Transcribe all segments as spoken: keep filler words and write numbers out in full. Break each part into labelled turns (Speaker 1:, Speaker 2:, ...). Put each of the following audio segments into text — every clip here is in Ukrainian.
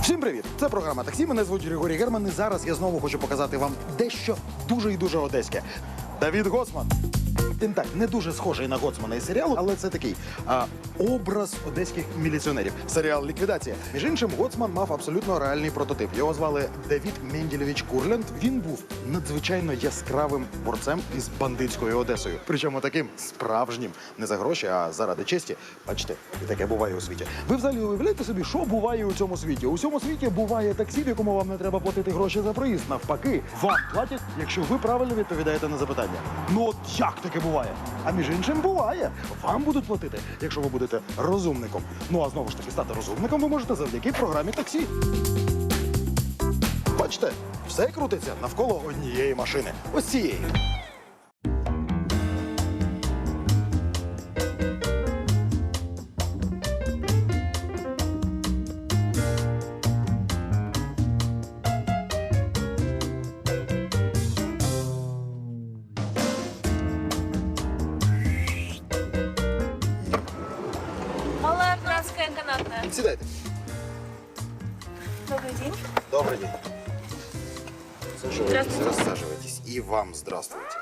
Speaker 1: Всім привіт! Це програма «Таксі». Мене звуть Григорій Герман. І зараз я знову хочу показати вам дещо дуже і дуже одеське. Давід Гоцман. Він так, не дуже схожий на Гоцмана із серіалу, але це такий а, образ одеських міліціонерів. Серіал «Ліквідація». Між іншим, Гоцман мав абсолютно реальний прототип. Його звали Давід Менділевич Курлянд. Він був надзвичайно яскравим борцем із бандитською Одесою. Причому таким справжнім. Не за гроші, а заради честі. Бачите, і таке буває у світі. Ви взагалі уявляєте собі, що буває у цьому світі? У цьому світі буває таксі, в якому вам не треба платити гроші за проїзд. Навпаки, вам платять, якщо ви правильно відповідаєте на запитання. Ну от як таке буває? А між іншим буває. Вам будуть платити, якщо ви будете розумником. Ну а знову ж таки, стати розумником ви можете завдяки програмі «Таксі». Бачите, все крутиться навколо однієї машини. Ось цієї.
Speaker 2: Малая Пражская канатная.
Speaker 1: Сідайте.
Speaker 2: Добрый день.
Speaker 1: Добрый день. Саживайтесь,
Speaker 2: Здравствуйте.
Speaker 1: рассаживайтесь. И вам здравствуйте.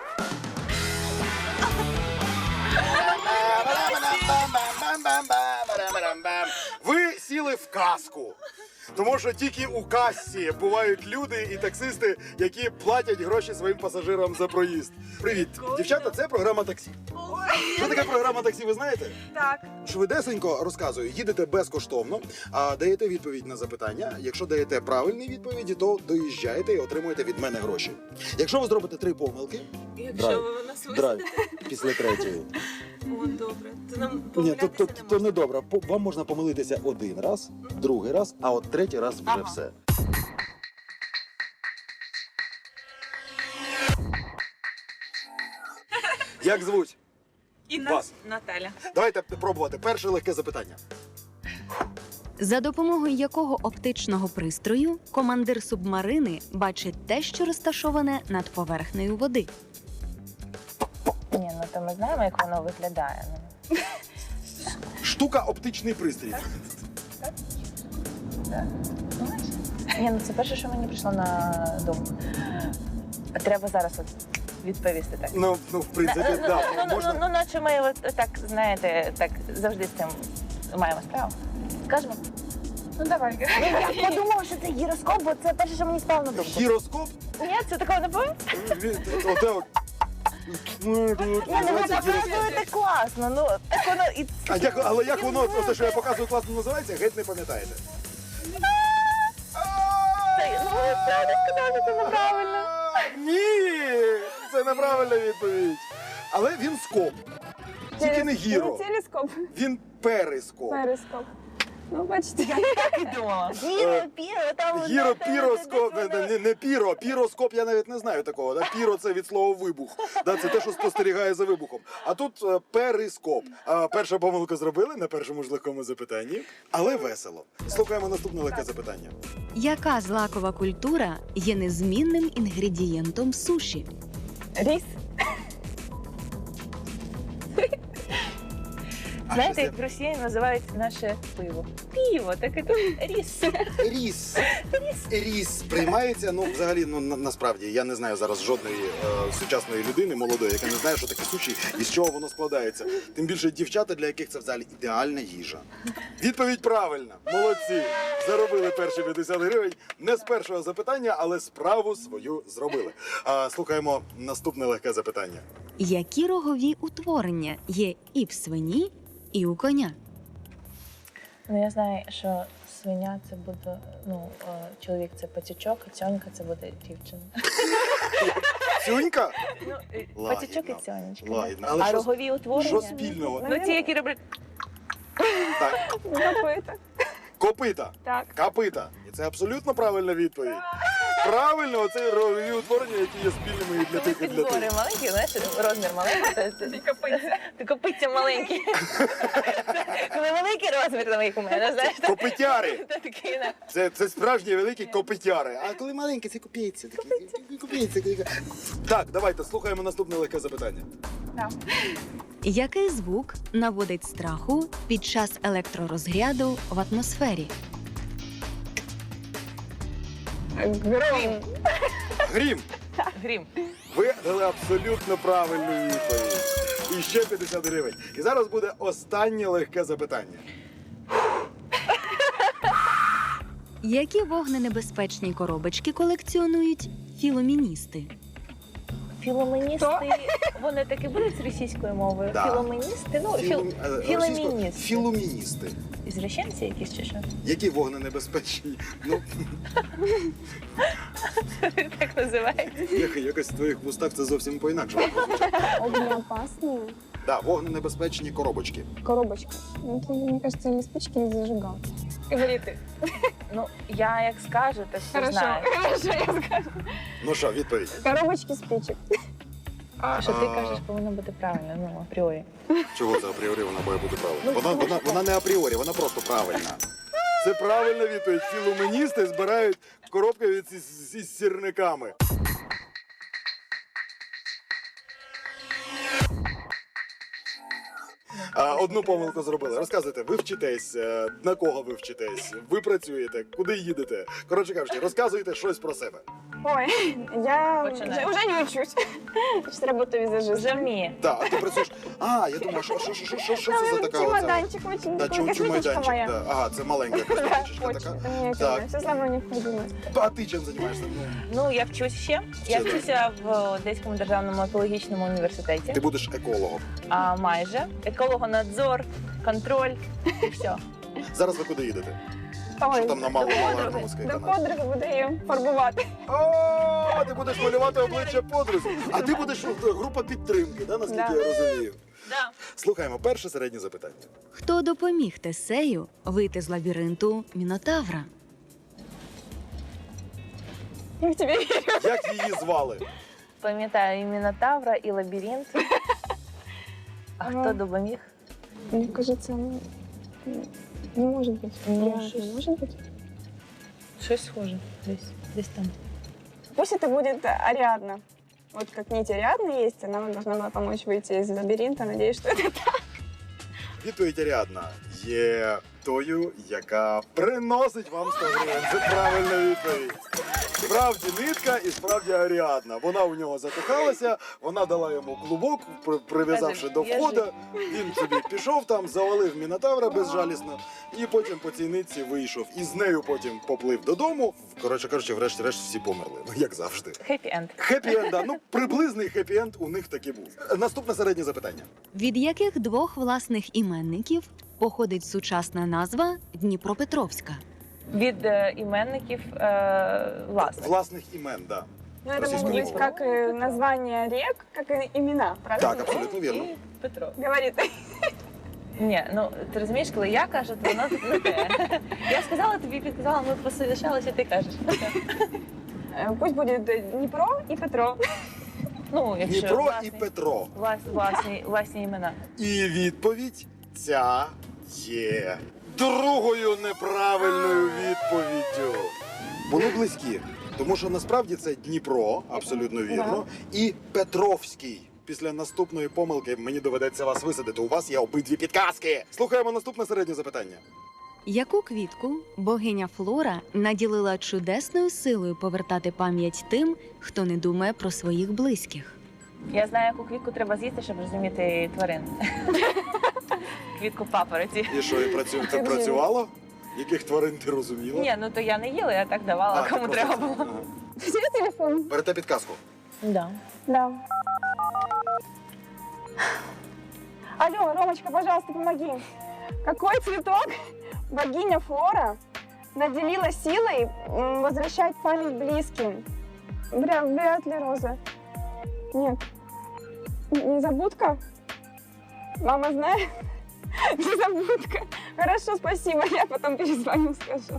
Speaker 1: Ви сіли в казку. Тому що тільки у касі бувають люди і таксисти, які платять гроші своїм пасажирам за проїзд. Привіт, дівчата, це програма «Таксі». Що таке програма «Таксі», ви знаєте?
Speaker 2: Так.
Speaker 1: Швидесенько розказую, їдете безкоштовно, а даєте відповідь на запитання. Якщо даєте правильні відповіді, то доїжджаєте і отримуєте від мене гроші. Якщо ви зробите три помилки,
Speaker 2: Якщо ви нас
Speaker 1: драйв після третьої.
Speaker 2: О, добре. То нам
Speaker 1: Ні, то,
Speaker 2: помилятися
Speaker 1: то,
Speaker 2: не
Speaker 1: то
Speaker 2: можна.
Speaker 1: не добре. По- Вам можна помилитися один раз, другий раз, а от третій раз вже
Speaker 2: Ага.
Speaker 1: все. Як звуть?
Speaker 2: Інна.
Speaker 1: Вас.
Speaker 2: Наталя.
Speaker 1: Давайте пробувати. Перше легке запитання.
Speaker 3: За допомогою якого оптичного пристрою командир субмарини бачить те, що розташоване над поверхнею води?
Speaker 4: Ні, ну то ми знаємо, як воно виглядає. Ну,
Speaker 1: Штука оптичний пристрій.
Speaker 4: Ні, ну це перше, що мені прийшло на думку. Треба зараз от відповісти так.
Speaker 1: Ну, ну в принципі,
Speaker 4: ну,
Speaker 1: да,
Speaker 4: ну, ну,
Speaker 1: можна.
Speaker 4: ну, наче ми от, так, знаєте, так завжди з цим маємо справу. Скажемо?
Speaker 2: Ну давай.
Speaker 4: Я подумала, що це гіроскоп, бо це перше, що мені спало на думку.
Speaker 1: Гіроскоп?
Speaker 4: Ні, це такого не було?
Speaker 1: Він- оте от.
Speaker 4: Ні, ну ви
Speaker 1: Називається гіроскоп.
Speaker 4: показуєте класно, ну так воно і...
Speaker 1: А як, але як воно, те, що я показую, класно називається, геть не пам'ятаєте.
Speaker 4: Це, ну ви правда сказали, це неправильно.
Speaker 1: Ні, це неправильна відповідь. Але він скоп. Тільки не гіро.
Speaker 5: Не телескоп,
Speaker 1: Він перископ.
Speaker 5: перископ. Ну, бачите.
Speaker 4: Так і думала. Гіро, піро, там...
Speaker 1: Гіро,
Speaker 4: знаєте,
Speaker 1: піроскоп,
Speaker 4: десь
Speaker 1: не,
Speaker 4: воно-
Speaker 1: не, не піро, піроскоп я навіть не знаю такого. Да? Піро це від слова вибух. Да? Це те, що спостерігає за вибухом. А тут е, перископ. А, перша помилка зробили на першому ж легкому запитанні, але весело. Слухаємо наступне легке запитання.
Speaker 3: Яка злакова культура є незмінним інгредієнтом суші?
Speaker 4: Ріс.
Speaker 1: А
Speaker 4: Знаєте,
Speaker 1: що
Speaker 4: як росіяни називають наше пиво? Пиво, так і тут ріс.
Speaker 1: Ріс. Ріс приймається, ну, взагалі, ну, на, насправді, я не знаю зараз жодної е, сучасної людини, молодої, яка не знає, що таке суші і з чого воно складається. Тим більше дівчата, для яких це взагалі ідеальна їжа. Відповідь правильна. Молодці. Заробили перші п'ятдесят гривень. Не з першого запитання, але справу свою зробили. А, слухаємо наступне легке запитання.
Speaker 3: Які рогові утворення є і в свині, і у коня?
Speaker 4: Ну я знаю, що свиня це буде, ну, е, чоловік це пацючок, а цьонька це буде дівчина.
Speaker 1: Цюнька?
Speaker 4: Ну, е,
Speaker 1: Лагідно.
Speaker 4: пацючок і цьонечка.
Speaker 1: Лагідно. Але
Speaker 4: А
Speaker 1: що-
Speaker 4: рогові утворення?
Speaker 1: Що спільного?
Speaker 4: Ну ті, які роблять...
Speaker 1: Так.
Speaker 5: Копита.
Speaker 1: Копита.
Speaker 5: Так.
Speaker 1: Копита. І це абсолютно правильна відповідь. Правильно, оце рогові утворення, які є спільними і для
Speaker 4: Коли
Speaker 1: тих, і для
Speaker 4: підбори
Speaker 1: тих.
Speaker 4: маленькі, знаєш, розмір маленький, то це...
Speaker 5: Копиця.
Speaker 4: Ти копиця маленькі. Коли великий розмір, там як у мене, знаєш, то
Speaker 1: Копитяри.
Speaker 4: то такий, на.
Speaker 1: Це, це справжні великі копитяри. А коли маленькі, це копійці. Копійці. Так, давайте слухаємо наступне легке запитання.
Speaker 3: Який звук наводить страху під час електророзряду в атмосфері?
Speaker 5: Гром.
Speaker 1: Грім.
Speaker 4: Грім.
Speaker 1: Ви дали абсолютно правильну відповідь. І ще п'ятдесят гривень. І зараз буде останнє легке запитання.
Speaker 3: Які вогненебезпечні коробочки колекціонують філоміністи?
Speaker 4: Філоменісти, вони таки будуть з російською мовою?
Speaker 1: Да.
Speaker 4: Філоменісти? Ну, філ...
Speaker 1: Філум- е, російською-
Speaker 4: філоміністи.
Speaker 1: Філуміністи.
Speaker 4: Звращенці якісь чи що?
Speaker 1: Які вогненебезпечні? Ну,
Speaker 4: Так називається.
Speaker 1: як- якось в твоїх вустах це зовсім по-інакшому.
Speaker 5: Огнеопасные.
Speaker 1: Да, вогненебезпечні коробочки.
Speaker 5: Коробочка. Ну, это, мне кажется, не спички, не зажигалки. Говори ты.
Speaker 4: Ну, я як скажу, то все
Speaker 5: Хорошо,
Speaker 4: знаю.
Speaker 5: хорошо, я скажу.
Speaker 1: Ну що, відповідь?
Speaker 5: Коробочки спичек.
Speaker 4: Що ти
Speaker 1: А.
Speaker 4: кажеш, повинно бути правильно, ну, апріорі.
Speaker 1: Чого це апріорі вона має бути правильна?
Speaker 4: Ну,
Speaker 1: Вона,
Speaker 4: тому
Speaker 1: вона, вона не апріорі, вона просто правильна. Це правильна відповідь. Філуменісти збирають коробки від із, із сірниками. А, одну помилку зробили. Розказуйте, ви вчитесь, е, на кого ви вчитесь, ви працюєте, куди їдете. Коротше кажучи, розказуйте щось про себе.
Speaker 5: Ой, я
Speaker 4: Начинай.
Speaker 5: уже, уже не учусь. Сейчас работаю визажистом.
Speaker 4: Вже вміє.
Speaker 1: Так, а ти працюєш. А, я думаю, що, що, що, що, що, що це за така оця?
Speaker 5: Чемоданчик очень
Speaker 1: Да,
Speaker 5: такой,
Speaker 1: чому
Speaker 5: косметичка
Speaker 1: майданчик?
Speaker 5: моя.
Speaker 1: Да. Ага, це маленька
Speaker 5: Да,
Speaker 1: косметичка
Speaker 5: очень.
Speaker 1: така.
Speaker 5: Это мне
Speaker 1: Так.
Speaker 5: все самое необходимое.
Speaker 1: А ти чим займаєшся?
Speaker 4: Ну, я вчусь ще. Я
Speaker 1: Що ти?
Speaker 4: вчуся в Одеському державному екологічному університеті.
Speaker 1: Ти будеш екологом.
Speaker 4: А майже. Екологонадзор, контроль і все.
Speaker 1: Зараз ви куди їдете?
Speaker 5: Ой,
Speaker 1: Що там на малому малому
Speaker 5: до
Speaker 1: скайканалі?
Speaker 5: подруги буду її фарбувати.
Speaker 1: О, ти будеш малювати обличчя подрузі. А ти будеш е, група підтримки, да, наскільки
Speaker 5: Да.
Speaker 1: я розумію.
Speaker 4: Да.
Speaker 1: Слухаємо перше середнє запитання.
Speaker 3: Хто допоміг Тесею вийти з лабіринту Мінотавра?
Speaker 5: Я в тебе вірю.
Speaker 1: Як її звали?
Speaker 4: Пам'ятаю і Мінотавра, і лабіринт. А
Speaker 5: Ага.
Speaker 4: хто допоміг?
Speaker 5: Мне кажется, ну, не может быть.
Speaker 4: Ну,
Speaker 5: Реально,
Speaker 4: щось.
Speaker 5: не может быть.
Speaker 4: Щось схоже. Десь, десь там.
Speaker 5: Пусть это будет Ариадна. Вот как нить Ариадны есть, она вам должна была помочь выйти из лабиринта. Надеюсь, что это так.
Speaker 1: Відповідь Аріадна є тою, яка приносить вам сто гривень. Це правильна відповідь. Справді нитка і справді Аріадна. Вона у нього закохалася, вона дала йому клубок, при- прив'язавши до
Speaker 4: Я
Speaker 1: входу. Він собі пішов там, завалив Мінотавра безжалісно, і потім по цій нитці вийшов. І з нею потім поплив додому. Коротше кажучи, врешті-решт всі померли, як завжди.
Speaker 4: Хеппі-енд.
Speaker 1: Хеппі-енд, да. Ну, приблизний хеппі-енд у них таки був. Наступне середнє запитання.
Speaker 3: Від яких двох власних іменників походить сучасна назва Дніпропетровська?
Speaker 4: Від е, іменників е, власних.
Speaker 1: Власних імен, да.
Speaker 5: Ну, это
Speaker 1: Российскую
Speaker 5: могут быть
Speaker 1: мову.
Speaker 5: как и названия рек, как и имена, правильно?
Speaker 1: Так, абсолютно вірно.
Speaker 4: І Петро.
Speaker 5: Говорит.
Speaker 4: Ні, ну ти розумієш, коли я кажу, то воно тут не те. Я сказала тобі, підказала, ми посовіщалися, ти кажеш.
Speaker 5: Э, Пусть будет э, Днепро и Петро.
Speaker 4: Ну, якщо
Speaker 1: Дніпро і
Speaker 4: власні,
Speaker 1: Петро.
Speaker 4: влас- власні, власні імена.
Speaker 1: І відповідь ця є другою неправильною відповіддю. Були близькі, тому що насправді це Дніпро, абсолютно вірно, і Петровський. Після наступної помилки мені доведеться вас висадити. У вас є обидві підказки. Слухаємо наступне середнє запитання.
Speaker 3: Яку квітку богиня Флора наділила чудесною силою повертати пам'ять тим, хто не думає про своїх близьких?
Speaker 4: Я знаю, яку квітку треба з'їсти, щоб розуміти тварин. Квітку папороті.
Speaker 1: І що, і працю... це працювало? Яких тварин ти розуміла?
Speaker 4: Ні, ну то я не їла, я так давала,
Speaker 1: ти
Speaker 4: кому
Speaker 1: просто
Speaker 4: треба
Speaker 1: це-
Speaker 4: було.
Speaker 1: Ага.
Speaker 5: Где телефон?
Speaker 1: Берете підказку.
Speaker 4: Да.
Speaker 5: Да. Алло, Ромочка, пожалуйста, помоги. Какой цветок богиня Флора наделила силой м, возвращать память близким? Вряд, вряд ли роза. Нет. Н- Незабудка? Мама знает? Незабудка. Хорошо, спасибо. Я потом перезвоню, скажу.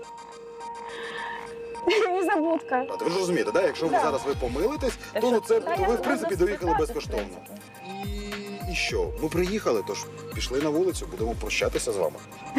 Speaker 5: Незабудка.
Speaker 1: А ви ж розумієте, да? Якщо ви
Speaker 5: Да.
Speaker 1: зараз ви помилитесь,
Speaker 4: Та
Speaker 1: то
Speaker 4: що
Speaker 1: ну, це
Speaker 5: Та
Speaker 1: то
Speaker 5: я
Speaker 1: ви в
Speaker 5: можу
Speaker 1: принципі доїхали
Speaker 4: спитати,
Speaker 1: безкоштовно.
Speaker 4: в принципі.
Speaker 1: І, і що? Ми приїхали, тож пішли на вулицю, будемо прощатися з вами.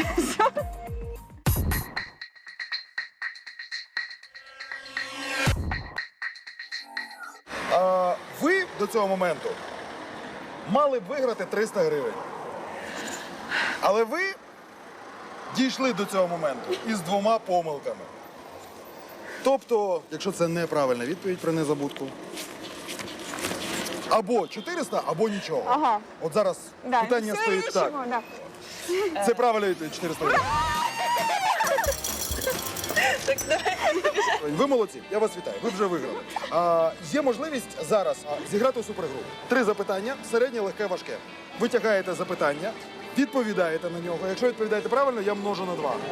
Speaker 1: А, ви до цього моменту мали б виграти триста гривень. Але ви дійшли до цього моменту із двома помилками. Тобто, якщо це неправильна відповідь про незабудку, або чотириста, або нічого.
Speaker 5: Ага.
Speaker 1: От зараз
Speaker 5: Да,
Speaker 1: питання
Speaker 5: все
Speaker 1: стоїть
Speaker 5: или
Speaker 1: так.
Speaker 5: ничего, да.
Speaker 1: Це правильна відповідь, чотириста гривень. Ви молодці, я вас вітаю, ви вже виграли. А, є можливість зараз а, зіграти у супергру. Три запитання, середнє, легке, важке. Ви тягаєте запитання, відповідаєте на нього. Якщо відповідаєте правильно, я множу на два.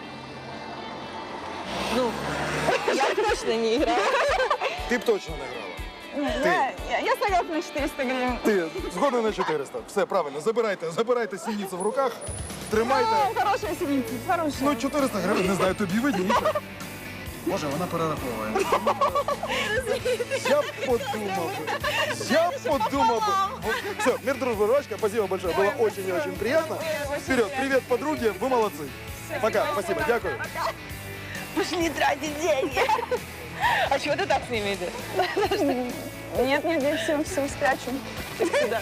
Speaker 4: Ну, я точно не играю.
Speaker 1: Ти б точно не грала.
Speaker 5: Да, я, я согласна на четыреста гривен.
Speaker 1: Ти згодна на чотириста. Все, правильно, забирайте, забирайте сініцю в руках, тримайте.
Speaker 5: Ну, хорошая синица, хорошая.
Speaker 1: Ну, чотириста гривень, не знаю, тобі видніше. Боже, вона перераховує. Я б подумав би. Я б подумав бы. Все, мир, дружба, ручка. Спасибо большое. Было очень и очень приятно. Вперед, привет, подруги, вы молодцы. Пока, спасибо, дякую.
Speaker 4: Пошли тратить деньги. А чего ты так с ними идешь?
Speaker 5: Нет, нет, я все, все спрячу. Сюда.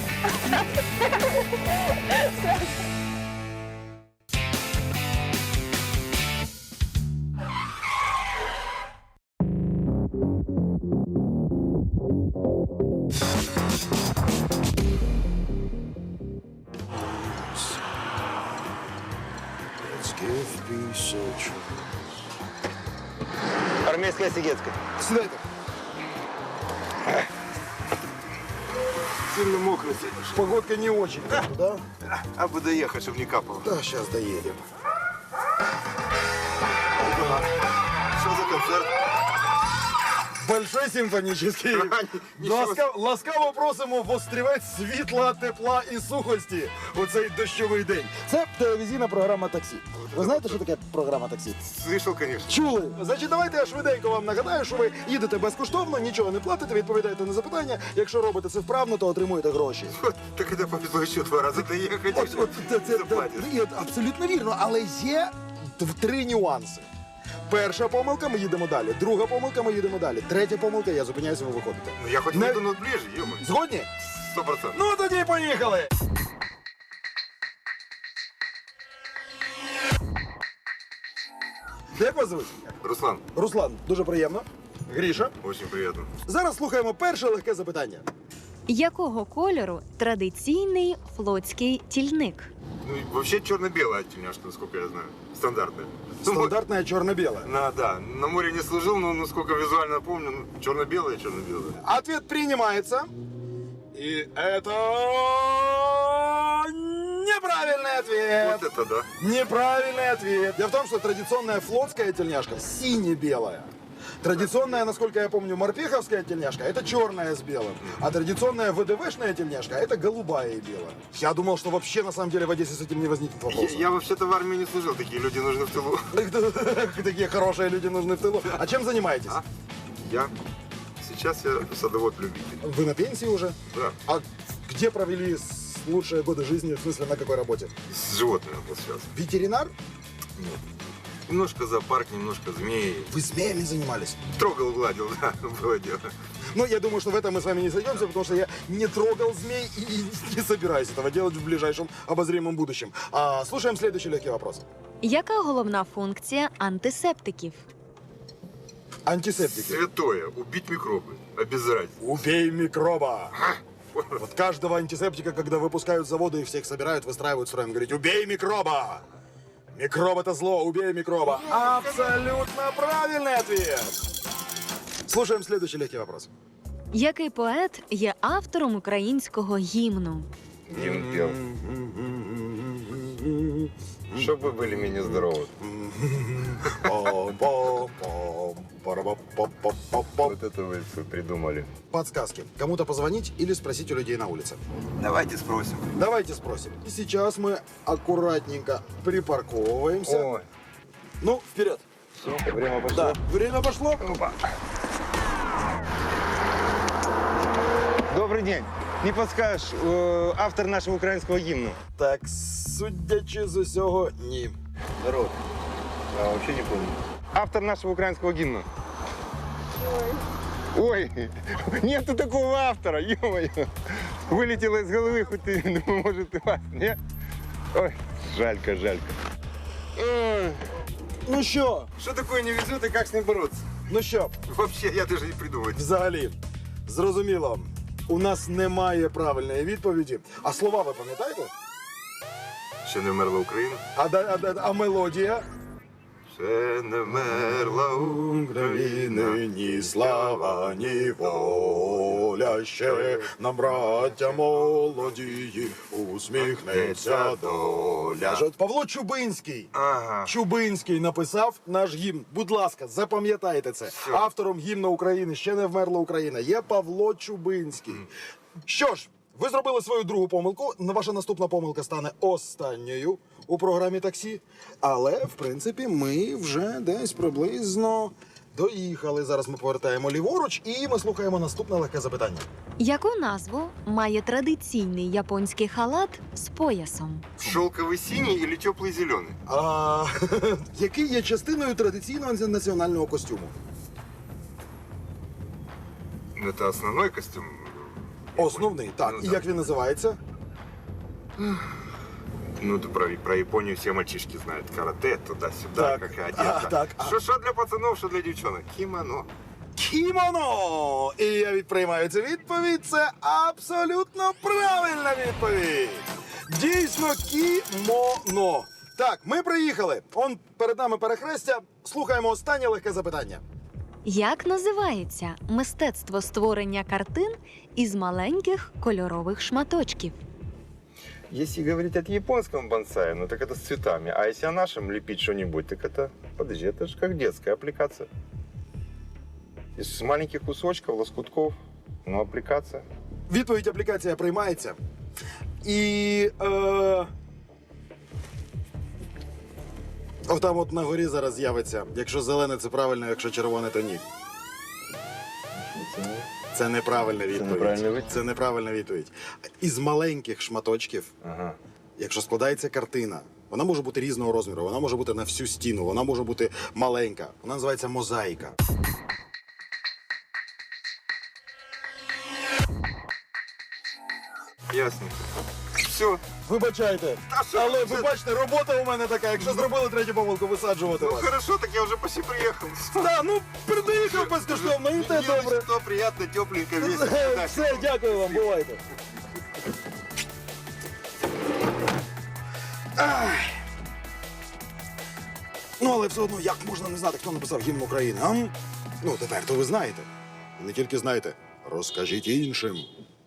Speaker 6: Армейская Сигецкая.
Speaker 1: Сідайте.
Speaker 6: Сильно мокро.
Speaker 1: Погодка не очень, да?
Speaker 6: А бы доехать, чтобы не капало.
Speaker 1: Да, сейчас доедем.
Speaker 6: Что за концерт?
Speaker 1: Большой симфонічний. Ласкаво, ласкаво просимо вострівець світла, тепла і сухості у цей дощовий день. Це телевізійна програма «Таксі». Ви знаєте, що таке програма «Таксі»?
Speaker 6: Слышал, конечно.
Speaker 1: Чули? Значить, давайте я швиденько вам нагадаю, що ви їдете безкоштовно, нічого не платите, відповідаєте на запитання. Якщо робите це вправно, то отримуєте гроші.
Speaker 6: Вот, так это повезло еще два раза доехать.
Speaker 1: От, от, це, це,
Speaker 6: заплатишь.
Speaker 1: це, от, абсолютно вірно, але є т- три нюанси. Перша помилка, ми їдемо далі. Друга помилка, ми їдемо далі. Третя помилка, я зупиняюся, ви виходите.
Speaker 6: Ну, я хоть
Speaker 1: Не-
Speaker 6: выйду, но ближе, ё
Speaker 1: Згодні?
Speaker 6: Сто процентов.
Speaker 1: Ну тоді поїхали! Як вас звуть?
Speaker 6: Руслан,
Speaker 1: Руслан, дуже приємно. Гріша.
Speaker 6: очень приятно.
Speaker 1: Зараз слухаємо перше легке запитання.
Speaker 3: Якого кольору традиційний флотський тільник?
Speaker 6: Ну, и вообще черно-белая тельняшка, насколько я знаю. Стандартная. Ну,
Speaker 1: Стандартне чорно-біле.
Speaker 6: На, да, на море не служил, но насколько визуально помню, ну, черно-белая, черно-белая.
Speaker 1: Ответ принимается. И это неправильный ответ.
Speaker 6: Вот это да.
Speaker 1: Неправильный ответ. Дело в том, что традиционная флотская тельняшка сине-белая. Традиционная, насколько я помню, морпеховская тельняшка – это черная с белым. А традиционная ВДВшная тельняшка – это голубая и белая. Я думал, что вообще на самом деле в Одессе с этим не возникнет
Speaker 6: Я,
Speaker 1: вопроса.
Speaker 6: я вообще-то в армии не служил, такие люди нужны в тылу.
Speaker 1: Такие хорошие люди нужны в тылу. А чем занимаетесь?
Speaker 6: А? Я? Сейчас я садовод-любитель.
Speaker 1: Вы на пенсии уже?
Speaker 6: Да,
Speaker 1: А где провели с- лучшие годы жизни, в смысле, на какой работе?
Speaker 6: с животными вот сейчас.
Speaker 1: Ветеринар?
Speaker 6: Нет. Немножко зоопарк, немножко змеи.
Speaker 1: Вы змеями занимались?
Speaker 6: Трогал, гладил, да, было дело.
Speaker 1: Ну, я думаю, что в этом мы с вами не сойдемся, потому что я не трогал змей и не собираюсь этого делать в ближайшем обозримом будущем. А, слушаем следующий легкий вопрос.
Speaker 3: Яка головна функція антисептиків?
Speaker 1: Антисептики.
Speaker 6: Святое, убить микробы, обеззаразить.
Speaker 1: Убей микроба. Вот каждого антисептика, когда выпускают с завода и всех собирают, выстраивают строем, говорить: убей микроба! Микроб — это зло, убей микроба. Абсолютно правильный ответ. Слушаем следующий легкий вопрос.
Speaker 3: Який поет є автором українського гімну?
Speaker 6: Гимн пел. Чтобы вы были менее здоровы. Вот это вы всё придумали.
Speaker 1: Подсказки. Кому-то позвонить или спросить у людей на улице.
Speaker 6: Давайте спросим.
Speaker 1: Давайте спросим. И сейчас мы аккуратненько припарковываемся.
Speaker 6: Ой,
Speaker 1: Ну, вперед.
Speaker 6: все, время пошло.
Speaker 1: Да, время пошло.
Speaker 6: Опа. Добрый день. Не подскажешь, э, автор нашего украинского гимна?
Speaker 1: Так, судячи з усього, ні.
Speaker 6: Здорово. А вообще не помню. Автор нашего украинского гимна. Ой, нету такого автора, ё-моё. Вылетело из головы, хоть и, думаю, может, и вас, нет? Ой, жалько, жалько. Ой.
Speaker 1: Ну що?
Speaker 6: Что такое не везет и как с ним бороться?
Speaker 1: Ну що?
Speaker 6: Вообще, я даже не придумываю.
Speaker 1: Взагалі, зрозуміло, у нас немає правильної відповіді. А слова ви пам'ятаєте?
Speaker 6: Ще не вмерла Україна?
Speaker 1: А, да- а, да- а мелодія?
Speaker 6: Ще не вмерла
Speaker 1: України ні слава, ні воля ще нам, браття молодії, усміхнеться доля. Ж от Павло Чубинський.
Speaker 6: Ага.
Speaker 1: Чубинський написав наш гімн. Будь ласка, запам'ятайте це. Автором гімну України «Ще не вмерла Україна» є Павло Чубинський. Що ж, ви зробили свою другу помилку. Ваша наступна помилка стане останньою у програмі «Таксі». Але, в принципі, ми вже десь приблизно доїхали. Зараз ми повертаємо ліворуч і ми слухаємо наступне легке запитання.
Speaker 3: Яку назву має традиційний японський халат з поясом?
Speaker 6: Шелковый синий или теплый зеленый?
Speaker 1: А, який є частиною традиційного національного костюму?
Speaker 6: Ну, это основной костюм.
Speaker 1: Основний, так.
Speaker 6: Ну,
Speaker 1: І
Speaker 6: да.
Speaker 1: як він називається?
Speaker 6: Ну, да, про, про Японию все мальчишки знают. Карате, туда-сюда,
Speaker 1: Так.
Speaker 6: как и одета.
Speaker 1: А, так, а-
Speaker 6: Что, что для пацанов, что для девчонок? Кимоно.
Speaker 1: Кімоно! І я відприймаю цю відповідь. Це абсолютно правильна відповідь. Дійсно, кімоно. Так, ми приїхали. Он перед нами перехрестя. Слухаємо останнє легке запитання.
Speaker 3: Як називається мистецтво створення картин із маленьких кольорових шматочків?
Speaker 6: Если говорить от японском бонсае, ну так это с цветами. А если о нашем лепить что-нибудь, так это, подожди, это же как детская аппликация. Из маленьких кусочков, лоскутков, ну, аппликация.
Speaker 1: Відповідь аплікація приймається. І. Е... Отам от на горі зараз з'явиться. Якщо зелене, це правильно, якщо червоне, то ні. Це неправильна відповідь.
Speaker 6: неправильна відповідь?
Speaker 1: Це неправильна відповідь. Із маленьких шматочків,
Speaker 6: Ага.
Speaker 1: якщо складається картина, вона може бути різного розміру, вона може бути на всю стіну, вона може бути маленька. Вона називається мозаїка.
Speaker 6: Ясно. Все.
Speaker 1: Вибачайте,
Speaker 6: Та що
Speaker 1: але
Speaker 6: ви
Speaker 1: ви бачите, робота у мене така. Якщо зробили третю помилку, висаджувати
Speaker 6: Ну
Speaker 1: вас.
Speaker 6: хорошо, так я уже почти приехал.
Speaker 1: Да, ну приїхав безкоштовно, і те добре.
Speaker 6: Что приятно, тепленько, весело. Да,
Speaker 1: Все, дякую вам, бувайте. Ай. Ну, але все одно, як можна не знати, хто написав гімн України, а? Ну, тепер то ви знаєте. І не тільки знаєте, розкажіть іншим.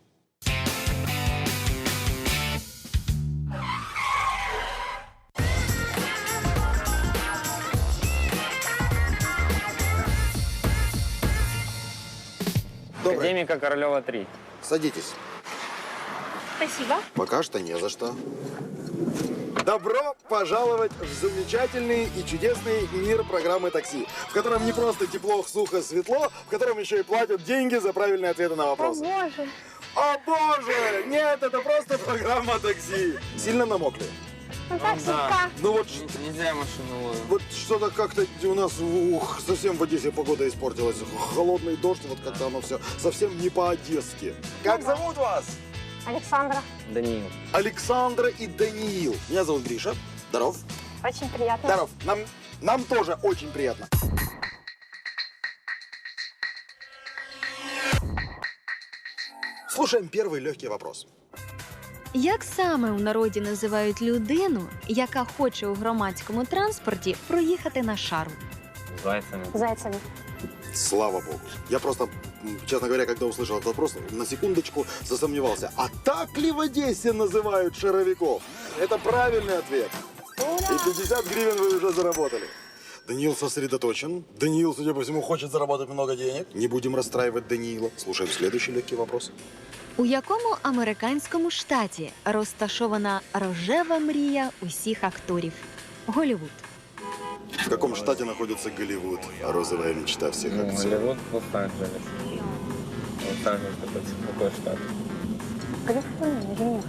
Speaker 1: Добре,
Speaker 7: Академика Королева три.
Speaker 1: садитесь.
Speaker 2: Спасибо.
Speaker 1: Пока что не за что. Добро пожаловать в замечательный и чудесный мир программы «Такси», в котором не просто тепло, сухо, светло, в котором еще и платят деньги за правильные ответы на
Speaker 5: О,
Speaker 1: вопросы.
Speaker 5: боже.
Speaker 1: О боже! Нет, это просто программа «Такси». Сильно намокли?
Speaker 5: Ну так,
Speaker 7: да.
Speaker 5: слегка.
Speaker 1: Ну вот,
Speaker 7: Нельзя машину ловить.
Speaker 1: вот что-то как-то у нас ух, совсем в Одессе погода испортилась. Холодный дождь, вот как-то оно все совсем не по-одесски. Как зовут вас?
Speaker 5: Александра,
Speaker 7: Даниил.
Speaker 1: Александра и Даниил. Меня зовут Гриша. Здоров.
Speaker 5: очень приятно.
Speaker 1: Здоров. Нам, нам тоже очень приятно. Слушаем первый легкий вопрос.
Speaker 3: Як саме у народі називають людину, яка хоче у громадському транспорті проїхати на шару?
Speaker 7: Зайцами.
Speaker 5: Зайцами.
Speaker 1: Слава богу. Я просто, м, честно говоря, когда услышал этот вопрос, на секундочку засомневался. А так ли в Одессе называют шаровиков? Это правильный ответ. И пятьдесят гривен вы уже заработали. Даниил сосредоточен. Даниил, судя по всему, хочет заработать много денег. Не будем расстраивать Даниила. Слушаем следующий легкий вопрос.
Speaker 3: У якому американському штаті розташована рожева мрія усіх акторів? Голлівуд.
Speaker 1: В каком штате находится Голливуд, а розовая мечта всех
Speaker 7: Ну,
Speaker 1: актеров?
Speaker 7: Голливуд, Лос-Анджелес. Лос-Анджелес такой, такой штат.
Speaker 5: Калифорния,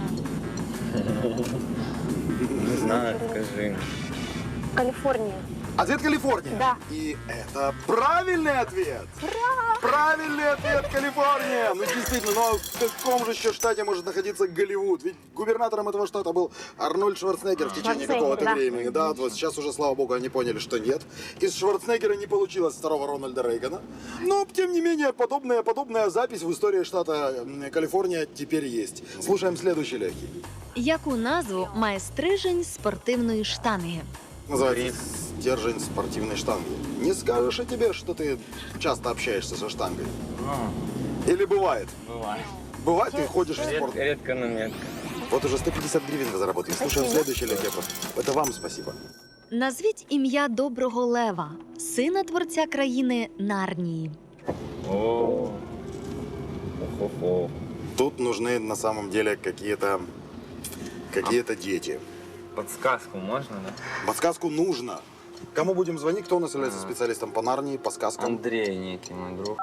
Speaker 5: извини.
Speaker 7: Не знаю, скажи.
Speaker 5: Калифорния.
Speaker 1: Ответ Калифорния.
Speaker 5: Да.
Speaker 1: И это правильный ответ. Правильный ответ Калифорния. Ну действительно, но в каком же еще штате может находиться Голливуд? Ведь губернатором этого штата был Арнольд Шварценеггер в течение
Speaker 5: Шварценеггер,
Speaker 1: какого-то
Speaker 5: да.
Speaker 1: времени. Да, вот сейчас уже, слава богу, они поняли, что нет. Из Шварценеггера не получилось второго Рональда Рейгана. Но, тем не менее, подобная, подобная запись в истории штата м, Калифорния теперь есть. Слушаем следующий легкий.
Speaker 3: Яку назву має стрижень спортивної штанги?
Speaker 1: Называется стержень спортивной штанги. Не скажешь о тебе, что ты часто общаешься со штангой? Или бывает?
Speaker 7: Бывает.
Speaker 1: Бывает, ты ходишь в
Speaker 7: Ред-
Speaker 1: спорт.
Speaker 7: редко, но метко.
Speaker 1: Вот уже сто пятьдесят гривен вы заработали. Слушаем следующий легкий. Это вам спасибо.
Speaker 3: Назвіть ім'я доброго лева, сина творця країни Нарнії.
Speaker 7: О, хо-хо.
Speaker 1: Тут нужны на самом деле какие-то какие-то дети.
Speaker 7: Подсказку можно, да?
Speaker 1: Подсказку нужно. Кому будем звонить? Кто у нас является специалистом по Нарнии, по сказкам?
Speaker 7: Андрей некий мой друг.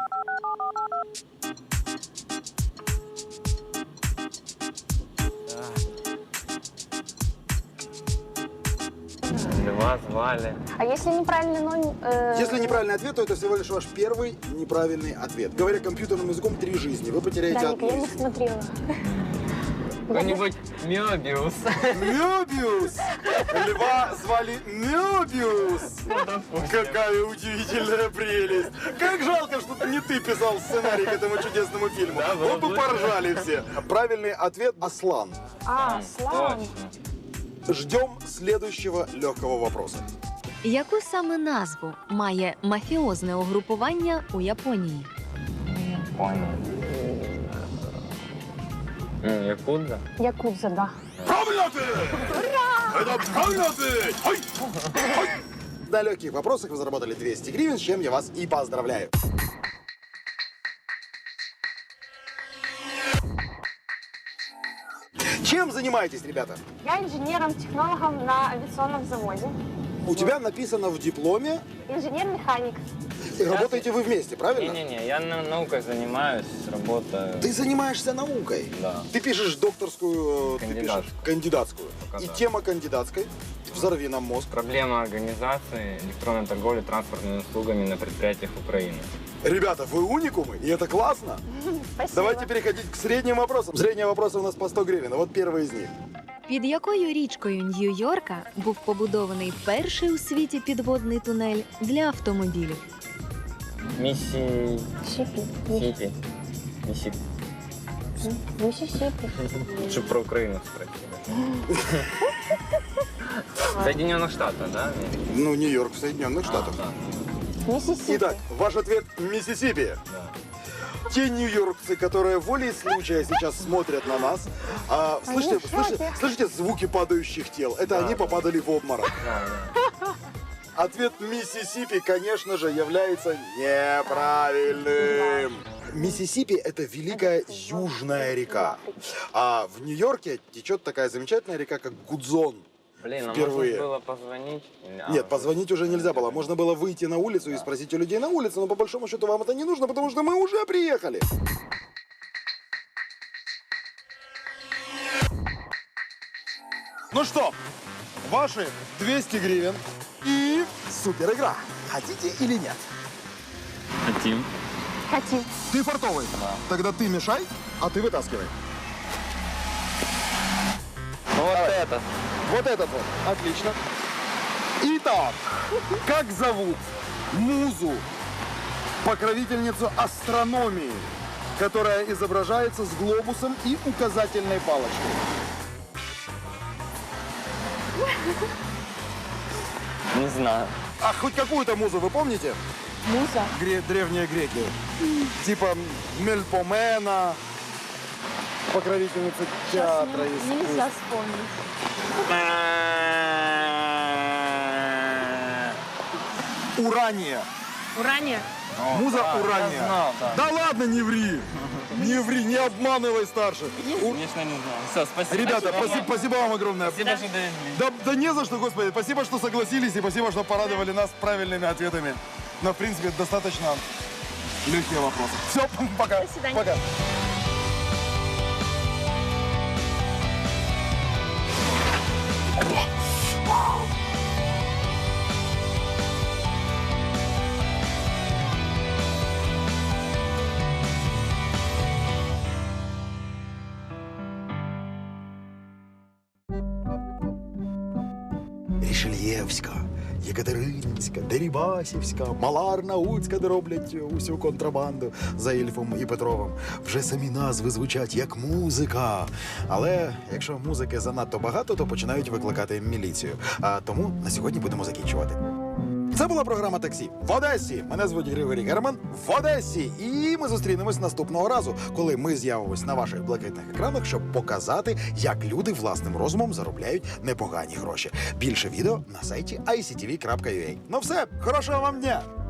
Speaker 7: Льва звали.
Speaker 5: А если неправильный номер... э,
Speaker 1: Если неправильный ответ, то это всего лишь ваш первый неправильный ответ. Говоря компьютерным языком, три жизни. Вы потеряете
Speaker 5: Даник,
Speaker 1: одну
Speaker 5: я не
Speaker 1: из них.
Speaker 5: смотрела.
Speaker 7: Какой-нибудь Мёбиус.
Speaker 1: Мёбиус! Льва звали Мёбиус! Какая удивительная прелесть! Как жалко, что не ты писал сценарий к этому чудесному фильму.
Speaker 7: Да, было
Speaker 1: Вот бы
Speaker 7: бы
Speaker 1: поржали все. Правильный ответ – Аслан.
Speaker 5: А, слава.
Speaker 7: Точно.
Speaker 1: Ждем следующего легкого вопроса.
Speaker 3: Яку саме назву має мафіозне угрупування у Японії?
Speaker 7: Понял. М, Якудза?
Speaker 5: Якудза, да.
Speaker 1: Правильный ответ! Это правильный ответ! Ой! Ой! На легких вопросах вы заработали двести гривен, с чем я вас и поздравляю. Чем занимаетесь, ребята?
Speaker 5: Я инженером-технологом на авиационном заводе.
Speaker 1: У тебя написано в дипломе,
Speaker 5: Инженер-механик.
Speaker 1: и работаете вы вместе, правильно?
Speaker 7: Не-не-не, я на- наукой занимаюсь, работаю.
Speaker 1: Ты занимаешься наукой.
Speaker 7: Да.
Speaker 1: Ты пишешь докторскую, ты
Speaker 7: Кандидатскую.
Speaker 1: пишешь кандидатскую.
Speaker 7: Пока
Speaker 1: И
Speaker 7: да.
Speaker 1: тема кандидатской «Взорви нам мозг».
Speaker 7: Проблема организации электронной торговли транспортными услугами на предприятиях Украины.
Speaker 1: Ребята, вы уникумы, и это классно.
Speaker 5: Спасибо.
Speaker 1: Давайте переходить к средним вопросам. Средние вопросы у нас по сто гривен. Вот первый из них.
Speaker 3: Під якою річкою Нью-Йорка був побудований перший у світі підводний тунель для автомобілів?
Speaker 7: Миссии...
Speaker 5: Сипи.
Speaker 7: Сипи. Миссии...
Speaker 5: Миссисипи.
Speaker 7: Лучше про Украину спросили. Соединенных Штатов, да?
Speaker 1: Ну, Нью-Йорк в Соединенных Штатах.
Speaker 7: А,
Speaker 5: Миссисипи.
Speaker 1: Итак, ваш ответ – Миссисипи.
Speaker 7: да.
Speaker 1: Те нью-йоркцы, которые волей случая сейчас смотрят на нас, а, слышите,
Speaker 5: Они в шоке.
Speaker 1: слышите, слышите звуки падающих тел? Это
Speaker 7: Да,
Speaker 1: они
Speaker 7: да.
Speaker 1: попадали в обморок.
Speaker 7: Да, да.
Speaker 1: Ответ Миссисипи, конечно же, является неправильным. Миссисипи – это великая южная река. А в Нью-Йорке течет такая замечательная река, как Гудзон.
Speaker 7: Блин, а
Speaker 1: Впервые.
Speaker 7: можно было позвонить? Или- а,
Speaker 1: Нет, позвонить уже нельзя было. Можно было выйти на улицу и спросить у людей на улице, но по большому счету вам это не нужно, потому что мы уже приехали. Ну что, ваши двести гривен и супер игра. Хотите или нет?
Speaker 7: Хотим.
Speaker 5: Хотим.
Speaker 1: Ты фартовый?
Speaker 7: Да.
Speaker 1: Тогда ты мешай, а ты вытаскивай.
Speaker 7: Ну вот это.
Speaker 1: Вот этот вот. Отлично. Итак, как зовут музу, покровительницу астрономии, которая изображается с глобусом и указательной палочкой?
Speaker 7: Не знаю.
Speaker 1: А хоть какую-то музу вы помните?
Speaker 5: Муза.
Speaker 1: Гре- древние греки. Типа Мельпомена, покровительница театра. искусств.
Speaker 5: Нельзя вспомнить.
Speaker 1: Урания.
Speaker 2: Урания.
Speaker 1: Муза
Speaker 7: да, я
Speaker 1: Урания.
Speaker 7: знал, да.
Speaker 1: Да ладно, не ври. Не ври, не обманывай старших. У-
Speaker 7: Конечно, не знаю. Все, спасибо.
Speaker 1: Ребята, спасибо, спасибо вам огромное.
Speaker 7: Спасибо, что довезли.
Speaker 1: Да, да не за что, господи. Спасибо, что согласились, и спасибо, что порадовали нас правильными ответами. Но, в принципе, достаточно легкие вопросы. Все, пока.
Speaker 2: До свидания.
Speaker 1: Пока. Невська, Єкатеринська, Дерибасівська, Маларнаутська, де роблять усю контрабанду за Ільфом і Петровим. Вже самі назви звучать як музика. Але якщо музики занадто багато, то починають викликати міліцію. А тому на сьогодні будемо закінчувати. Це була програма «Таксі» в Одесі. Мене звуть Григорій Герман в Одесі. І ми зустрінемось наступного разу, коли ми з'явимось на ваших блакитних екранах, щоб показати, як люди власним розумом заробляють непогані гроші. Більше відео на сайті ай сі ті ві крапка ю а. Ну все, хорошого вам дня!